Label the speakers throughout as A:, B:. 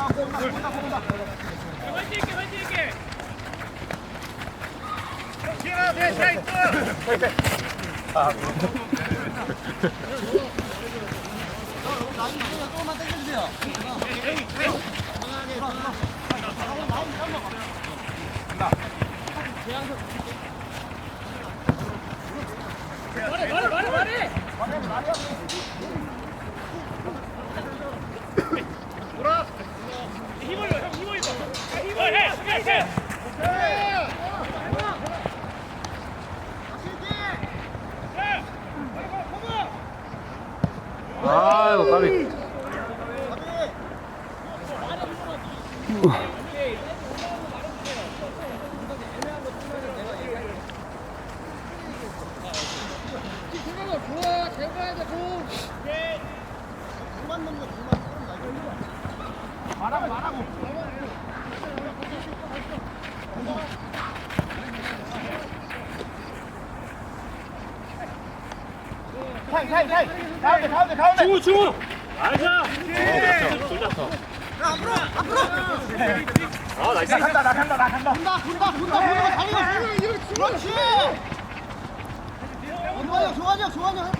A: 조금만 당겨주세요. 말해. 돌아. 힘을 줘, 형 힘을 줘. 힘을 해.
B: 아이고 까비.
A: 좋아, 잘 가야 돼, 공. 공만 넣는 거, 말하고. 가운데.
C: 중우. 알자.
A: 앞으로.
C: 아 나이스.
A: 나 간다. 본다. 그렇지. 조한이 형.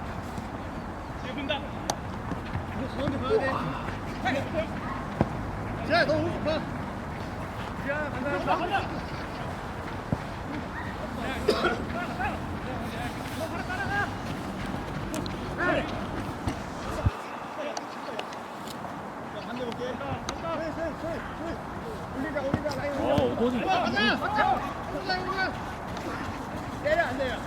A: 자, 너 오른쪽 봐. 자, 간다. 반대 볼게. 올리자, 라인.
C: 오도니.
A: 때려, 안 돼요.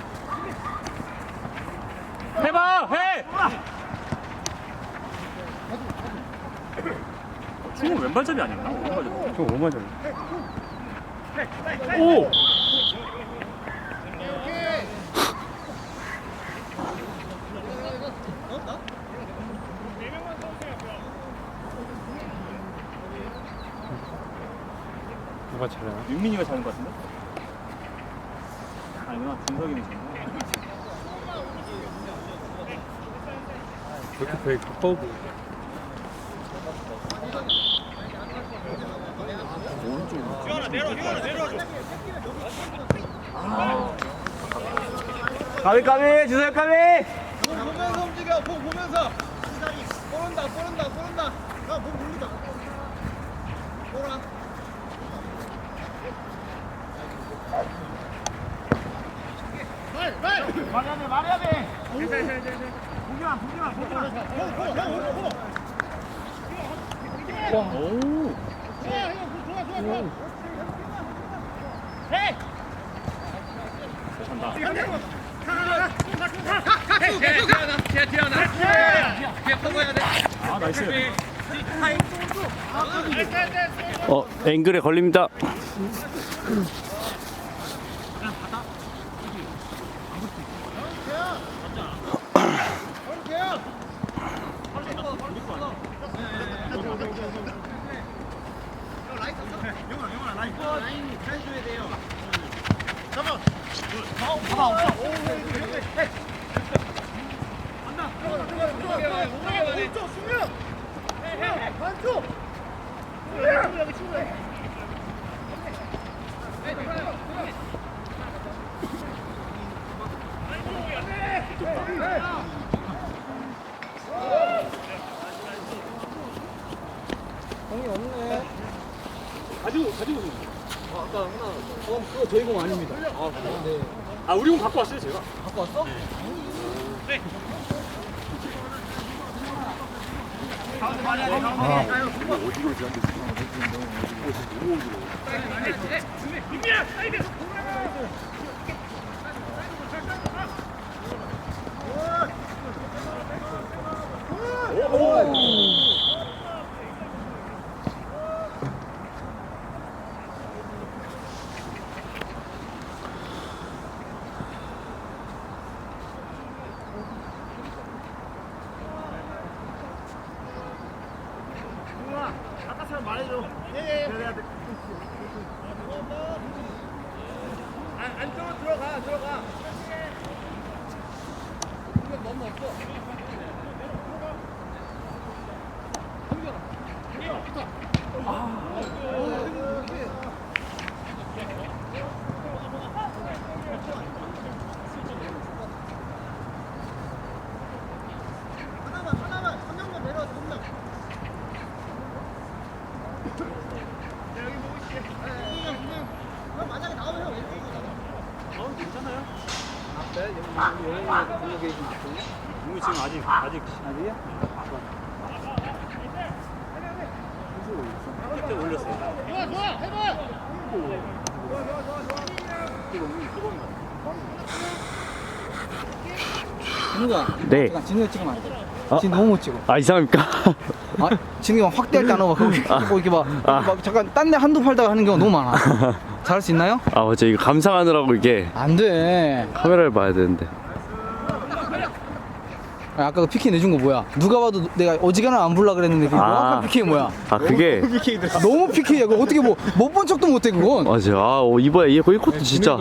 C: 해봐 해. 중우 왼발잡이 아니었나? 오른발잡이.
B: 저 오마저.
C: 오.
B: 누가 잘하나?
C: 윤민이가 잘하는 것 같은데? 아니구나 준석이는 잘하나?
B: 그렇게 되게 가까워 보여. 까비 주세요 까비.
A: 보면서 움직여, 공 보면서. 꼬른다. 공 돌리다. 꼬라. 말해야 돼. 보기만.
C: 오.
A: 좋아. 해.
C: 아 나이스.
B: 앵글에 걸립니다.
A: 영아, 라인 해줘야 돼요. 잡아. 오른쪽 수면. 반쪽. 여기 친구야. 공이 없네.
C: 가지고.
A: 아까 하나. 그거 저희 공 아닙니다. 네.
C: 아 우리 공 갖고 왔어요 제가.
A: 갖고 왔어?
C: 네.
B: 어디로 지한테
C: 윤미야 사이드.
A: 아까처럼 말해줘. 예. 안쪽으로 들어가. 이건 너무 없어. 힘들어.
C: 용이 지금 아직이야? 그때 올렸어요.
D: 진우가
B: 네.
D: 잠깐 진우가 찍으면 안 돼.
B: 어?
D: 지금 너무 못 찍어.
B: 아 이상합니까?
D: 아, 진우가 막 확대할 때 안 하고 이렇게 막 잠깐 딴 데 한두 팔다가 하는 경우가 너무 많아. 잘할 수 있나요?
B: 아 맞아 이거 감상하느라고 이게
D: 안 돼.
B: 카메라를 봐야 되는데.
D: 아, 아까 그 PK 내준 거 뭐야? 누가 봐도 내가 어지간하면 안 불라 그랬는데 그 명확한 PK 뭐야?
B: 아 그게
D: 너무 PK야. 그거 어떻게 뭐 못 본 척도 못해 그건.
B: 맞아. 아 이번에 이 코트 진짜.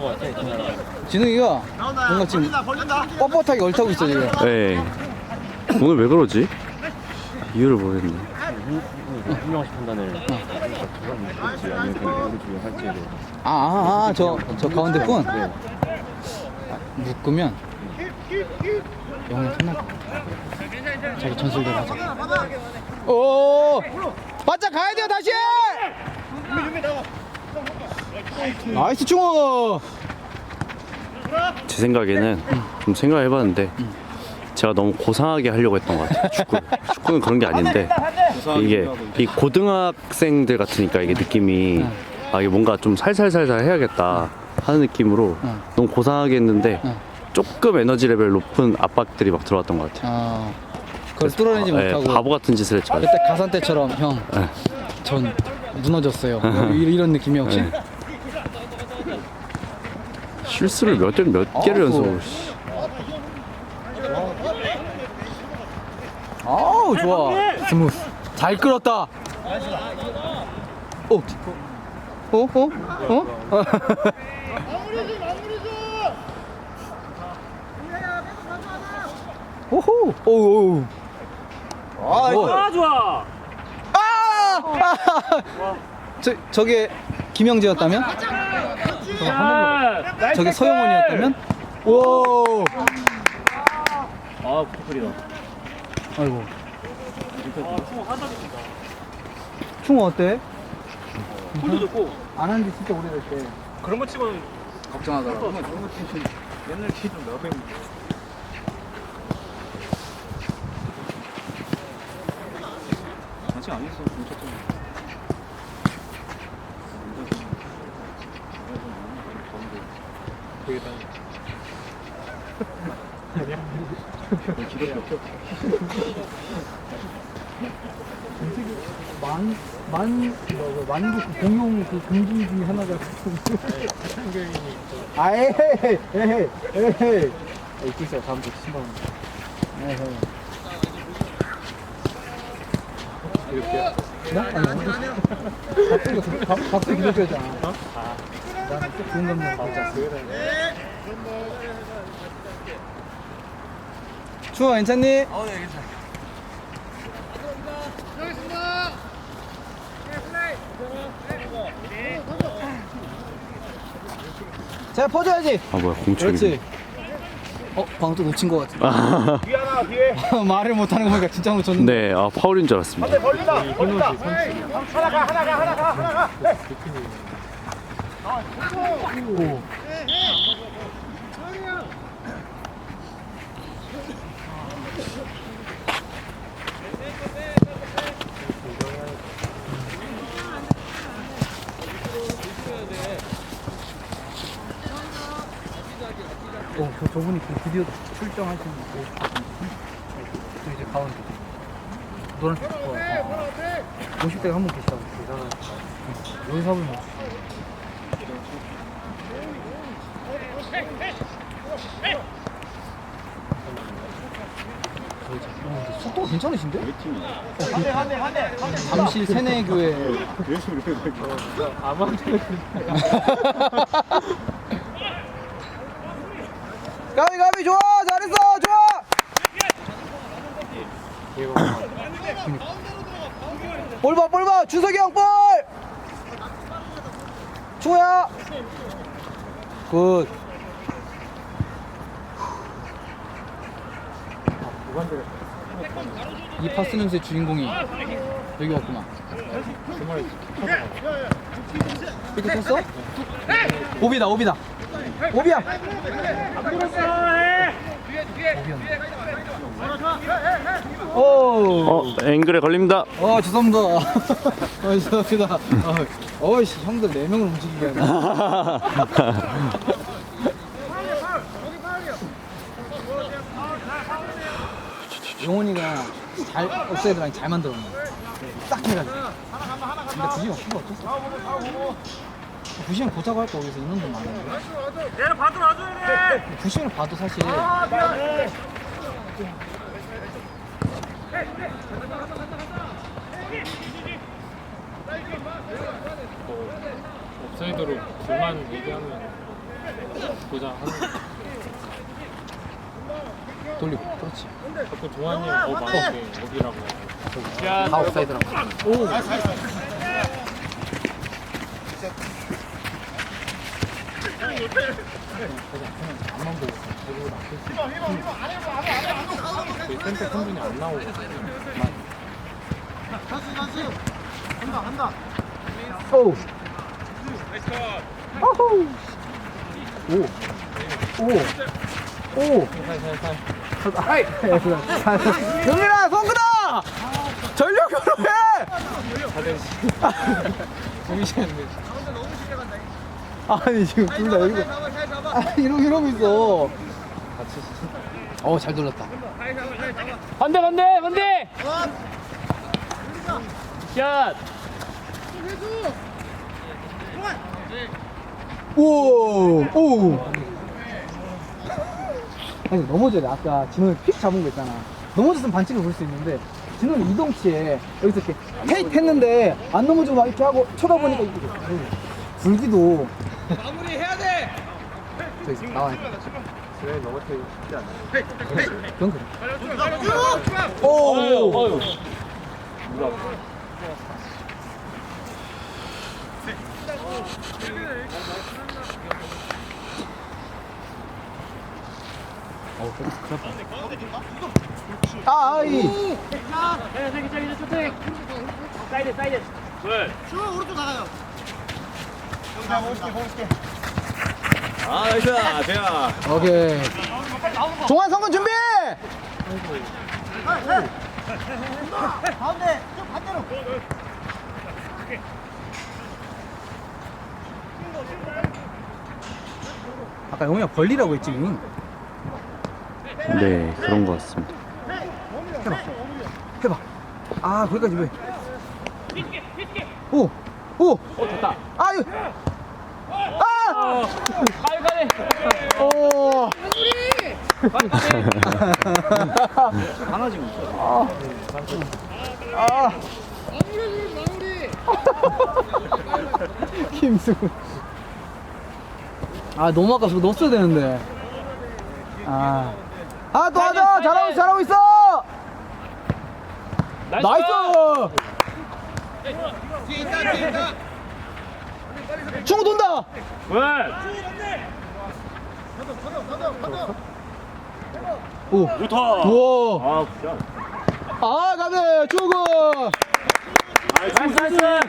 D: 진우이가 뭔가 지금 뻣뻣하게 얼타고 있어 지금.
B: 예. 오늘 왜 그러지? 이유를 모르겠네.
E: 훌륭하신 판단을 할지 아니면 그냥 우리 중에 할지에 대해
D: 저 가운데 분 묶으면 영영 끝날 거야. 자기 전술대로 하자. 오, 바짝 가야 돼요 다시. 나이스 충호.
B: 제 생각에는 좀 생각해봤는데 제가 너무 고상하게 하려고 했던 것 같아요. 축구는 그런 게 아닌데 이게 이 고등학생들 같으니까 이게 느낌이 아 이게 뭔가 좀 살살살살 해야겠다 하는 느낌으로 너무 고상하게 했는데 조금 에너지 레벨 높은 압박들이 막 들어왔던 것 같아요.
D: 그걸 뚫어내지 못하고
B: 바보 같은 짓을 했죠.
D: 그때 가산 때처럼 형, 전 무너졌어요. 이런 느낌이 혹시?
B: 실수를 몇 개를 연속으로.
D: 아우 좋아. 스무스. 잘 끌었다. 오. 오호. 오.
C: 아, 좋아.
D: 저게 김영재였다면? 저게 서영원이었다면? 오.
E: 아 포크리다.
D: 아이고. 충호 어때?
C: 홀도 좋고.
D: 안 한 지 진짜 오래됐대.
C: 그런 거 치고는
D: 걱정하더라고.
C: 옛날 키좀 나가 있는. 아직 안 했어. 되겠다.
D: 만국 공용 그 금지 중에 하나가 에헤이
C: 있고 있어요. 다음 주 신방. 이렇게.
D: 박수 기독교잖아. 나는 또 좋은 감독 맞아. 추워 괜찮니?
C: 네, 괜찮아.
D: 자 퍼줘야지.
B: 아 뭐야 공초이.
D: 그렇지. 방금 또 놓친 것 같은데.
B: 아,
C: 뒤 하나 뒤에.
D: 말을 못하는 거 보니까 진짜 놓쳤는데.
B: 네, 아 파울인 줄 알았습니다.
C: 벌린다. 하나 가.
D: 저분이 드디어 출정하시는 분. 또 이제 가운데. 노란색 거. 50대가 한 분 계시다고. 연습을 못. 속도가 괜찮으신데?
C: 한대.
D: 잠실 세내교회. 가비 좋아 잘했어 좋아. 볼 봐. 준석이 형 볼. 충호야. 굿. 이 파스 냄새 주인공이 여기 왔구만. 이렇게 쳤어? 오비야. 오.
B: 앵글에 걸립니다.
D: 죄송합니다. 죄송합니다. 어이씨, 형들 4명을 움직이게 하네. 용훈이가 잘 옵사이드랑 잘 만들었네. 딱 해가지고. 근데 구시형 수가 어땠어? 구시형 보자고 할거 여기서 인원도 많은데.
A: 얘는 봐도 놔줘야 돼.
D: 구시형을 봐도 사실.
F: 옵사이드로 둘만 얘기하면 보자 하는
D: 돌리고. 그렇지.
F: 자꾸 종환이 더 많은데 여기라고
D: 다 옵사이드라고. 오. 앞만 보고
F: 저희 센터 선분이 안 나오거든요.
D: 오. 오. 영민아, 손끄다! 전력 결혼해! 아니, 지금 둘 다 여기서. 이러고 있어. 잘 돌렸다.
A: 반대. 샷.
D: 오. 아니, 넘어져야 돼. 아까 진호이 픽 잡은 거 있잖아. 넘어졌으면 반칙을 볼 수 있는데, 진호이 이동치에 여기서 이렇게 헤이트 했는데, 안 넘어지고 막 이렇게 하고 쳐다보니까 이렇게 불기도. 마무리 해야 돼! 저기 나와니까.
C: 그래 넘어뜨리기 쉽지 않아.
D: 그건 그래. 오! 아이.
A: 사이드. 굿.
C: 나이스 대야.
D: 오케이. 종환 성근 준비! 아까 영우야 벌리라고 했지.
B: 네, 그런 것 같습니다.
D: 해봐. 거기까지 왜? 오!
A: 됐다.
D: 아유!
A: 가네.
D: 오!
C: 강아지 뭐.
D: 김승훈. 너무 아까워. 넣었어야 되는데. 또 하자! 잘하고 있어! 나이스! 충우 돈다!
A: 굿.
D: 오!
A: 좋다.
D: 우와!
A: 굿샷.
D: 가네! 충우!
A: 나이스.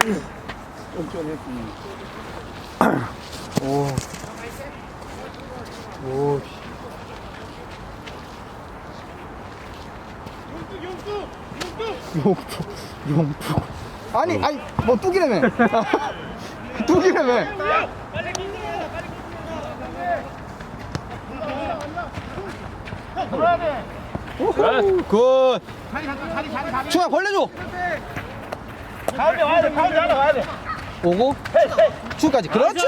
D: 오. 용뚝. 아니, 뭐 뚝이라며. 뚝이라며. 굿. 충아 벌려줘.
C: 가운데 와야 돼.
D: 오고. 충까지. 그렇지.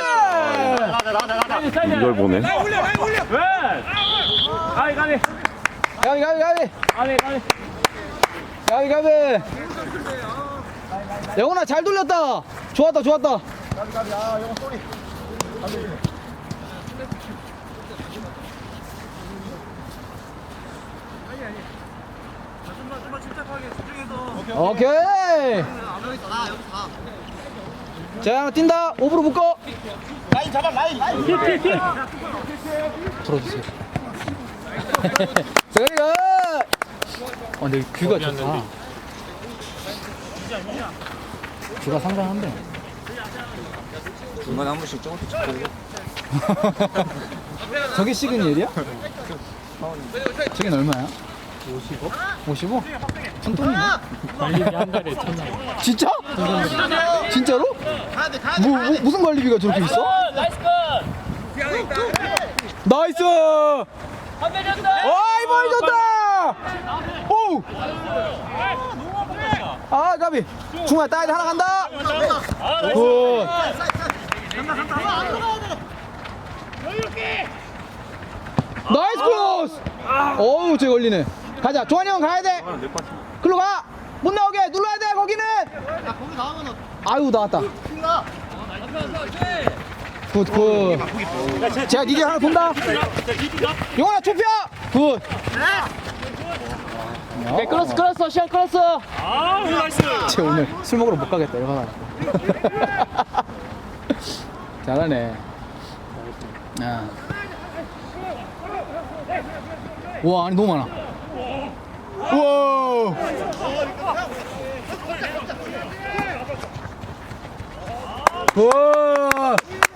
B: 이걸 보네.
A: 굿. 가네.
D: 가비. 영훈아 잘 돌렸다. 좋았다.
C: 영어 쏘리. 좀만 침착하게 집중해서. 오케이.
D: 오케이. 자, 뛴다. 오브로 묶어.
C: 라인 잡아 라인.
D: 들어주세요. 세근이가. 근데 뷰가 좋다. 뷰가 상당한데.
C: 중간에 한 번씩 조금씩 찍고.
D: 저게 시그니엘이야? 저게 얼마야? 55? 55? 천돈이네.
F: 관리비 한 달에 1,000원.
D: 진짜? 진짜로? 무슨 관리비가 저렇게 있어? 나이스! 어이 멀졌다! 오! 아 가비 중앙에 따야 돼 하나 간다! 굿! 나이스 크로스! 어우 쟤 걸리네. 가자 종환이 형 가야 돼. 글로 가. 못 나오게 눌러야 돼 거기는. 아유 나왔다. 굿. 제가 니들 하나 본다. 용환아 좁혀. 굿. 네 끌었어 시간 끌었어.
A: 아, 나이스.
D: 쟤 오늘 술 먹으러 못 가겠다 이거 하나. 잘하네. 야. 와 아니 너무 많아. 우와. 우와.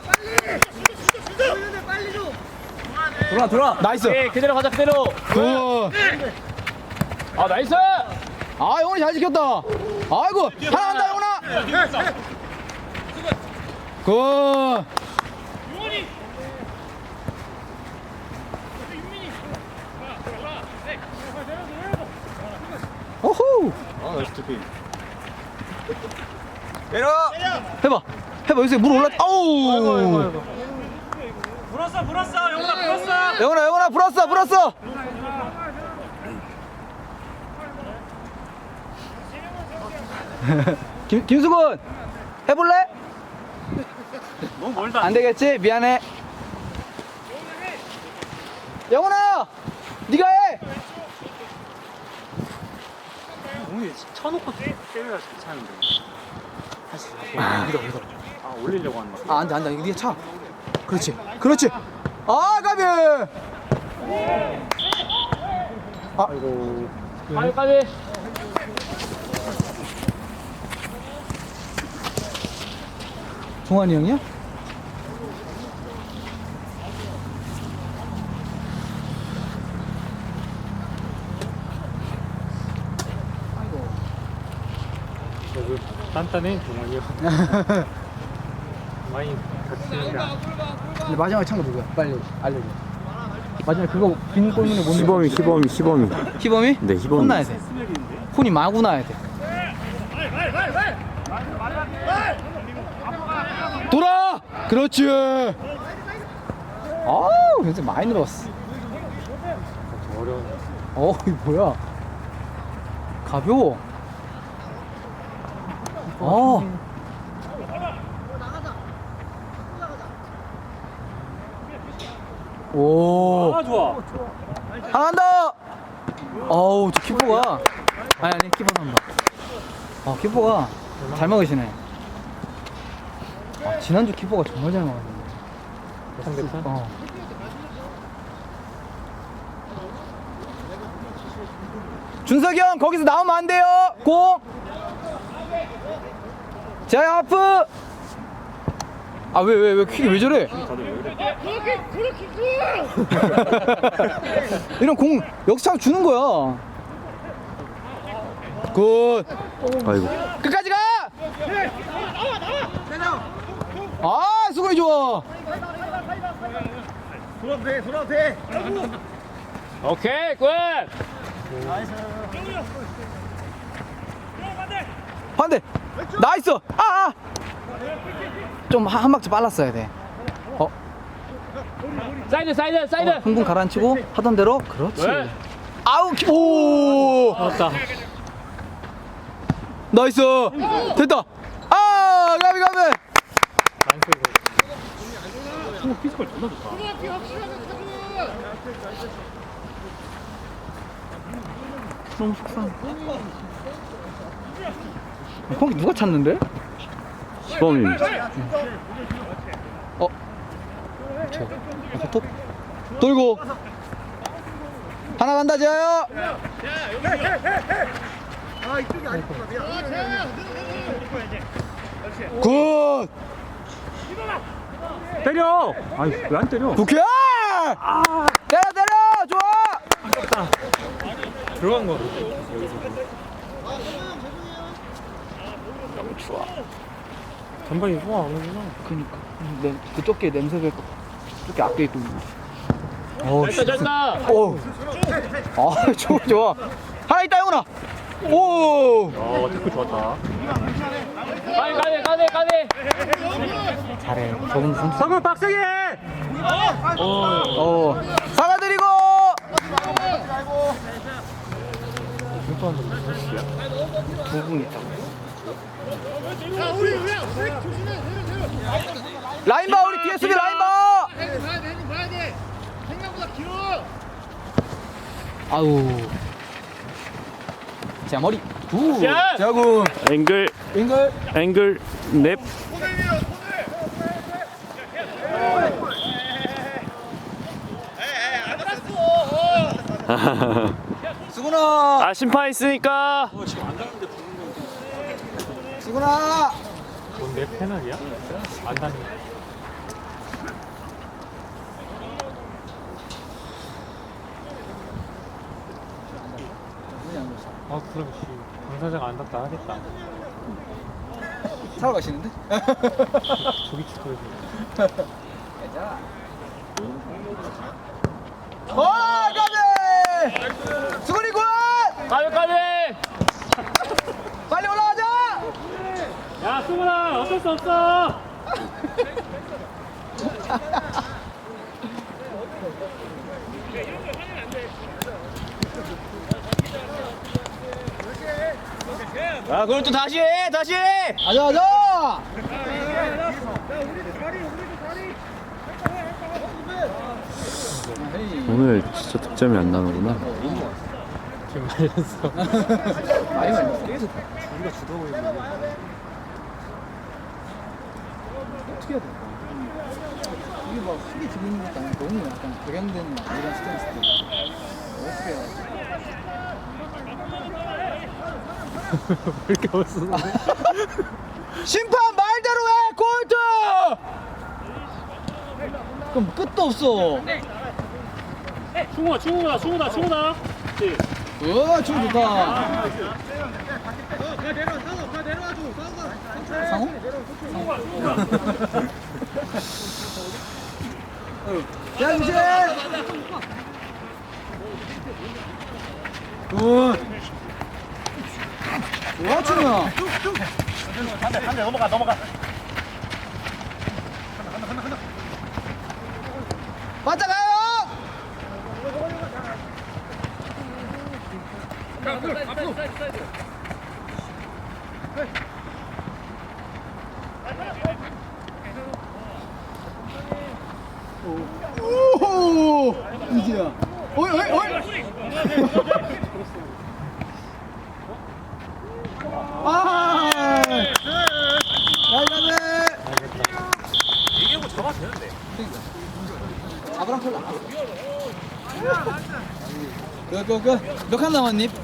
D: 돌아. 나이스.
E: 네, 그대로 가자 그대로.
D: 굿.
E: 아 나이스.
D: 아 영훈이 잘 지켰다. 아이고 하나 간다 영훈아. 굿. 오호.
C: 아 나이스 투피.
D: 해봐 여기서 물 올라. 아우.
A: 불었어. 영훈아 불었어.
D: 영훈아 불었어. 김수근 해볼래?
A: 너무 멀다.
D: 안 되겠지? 미안해. 영훈아, 네가 해.
F: 오늘 쳐놓고 때려야 괜찮은데. 아 올리려고 하는 거.
D: 안 돼. 이거 네가 차. 그렇지. 아, 가비. 아이고.
E: 빨리.
D: 종환이 형이야?
F: 단단해 종원이요. 많이 다치는데.
D: 근데 마지막에 찬 거 누구야? 빨리 알려줘. 마지막에 그거 빈 골문에 못 넣는
B: 희범이.
D: 희범이?
B: 네, 희범이.
D: 혼나야 돼. 혼이 마구 나야 돼. 돌아! 그렇지! 아우, 굉장히 많이 늘었어.
F: 어려운.
D: 이거 뭐야? 가벼워. 오.
A: 아, 좋아.
D: 하나 한다! 어우, 저 키퍼가. 아니, 키퍼 한다. 키퍼가 잘 막으시네. 지난주 키퍼가 정말 잘 막았는데.
F: 상대편?
D: 준석이 형, 거기서 나오면 안 돼요! 공! 자, 하프! 왜 킥이 왜 저래? 이런 공 역습 주는 거야. 굿.
B: 아이고.
D: 끝까지 가! 수근이 좋아.
C: 돌아도 돼.
E: 오케이 굿.
D: 반대. 나이스. 좀 한 박자 빨랐어야 돼.
E: 사이드.
D: 흥분 가라앉히고 하던 대로. 그렇지.
E: 네.
D: 아우 오.
E: 맞다.
D: 나이스. 됐다. 가비.
F: 피지컬 존나 좋다.
D: 너무 속상. 거기 누가 찾는데?
B: 시범입니다.
D: 톱 돌고 하나 간다 재하요. 굿.
F: 때려! 아니, 왜 안 때려?
D: 부캐! 때려 좋아.
F: 들어간 거.
D: 좋아.
F: 전방이 소화 안 오구나.
D: 그니까 그쪽 게 냄새가 저렇게 앞에 있고.
F: 됐다!
D: 오. 좋아. 하나 있다 영훈아. 오.
F: 태클 좋았다.
A: 가네.
D: 잘해. 저분 선수.
F: 성훈 빡세게 해!
D: 사과드리고. 두분 있다. 라인 봐 우리 뒤에 수비 라인 봐.
C: 봐야 돼. 생각보다 길어.
D: 아우. 자 머리. 굿. 자군.
B: 앵글
D: 앵글.
B: 넵.
D: 수근아.
B: 아 심판 있으니까.
D: 수근아.
F: 뭔데 페널이야? 안 다니. 그럼 당사자가 안 닿다 하겠다.
D: 사러 가시는데?
F: 조기 축구에서.
D: 가비! 수근이 굿!
A: 가네.
D: 빨리 올라가자!
F: 야, 수근아, 어쩔 수 없어!
C: 아, 그럼 또 다시 해.
D: 가자!
B: 오늘 진짜 득점이 안 나는구나.
F: 지금 말렸어.
D: 많이 말렸어. 계속.
C: 우리가 주도하고 있는
D: 어떻게 해야 될까? 이게 막 크게 들리는 것도 아니고 너무 약간 격양된 이런 스탠스인데 어떻게 해야 돼?
F: 왜 이렇게 멋있는데?
D: 심판 말대로 해! 골드! 그럼 끝도 없어.
F: 충우다. 그치?
D: 춤 좋다.
C: 가 내려와줘.
D: 상호? 양신! 굿! 좋아, 춤이야.
C: 한대 넘어가.
D: 맞아 가요! 오호! 이지야. 어이! 아! 나이가네!
C: 얘기하고 잡아도 되는데.
D: 잡으랑 털라. 몇 칸 남았니?